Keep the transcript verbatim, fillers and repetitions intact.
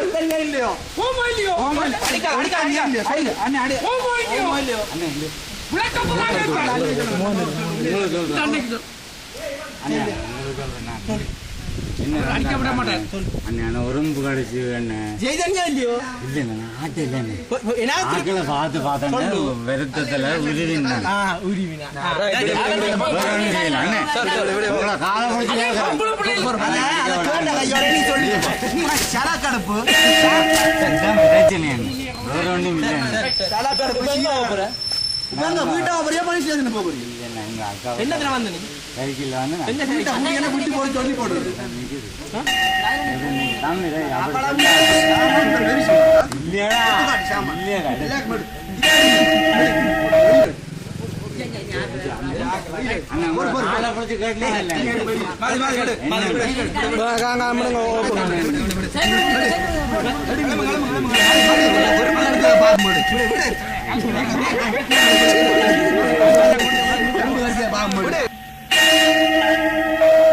இல்லையோ உடம்பு கடைசி இல்லையோ இல்லைங்க பார்த்து பார்த்தேன் வருத்தத்துல உருவினா வேற ஒன்றும் இல்லை வீட்டா ஒரே மணி ஸ்டேஷன் போக என்ன வந்து சைக்கிள் வந்து விட்டு போய் சொல்லி போடுறது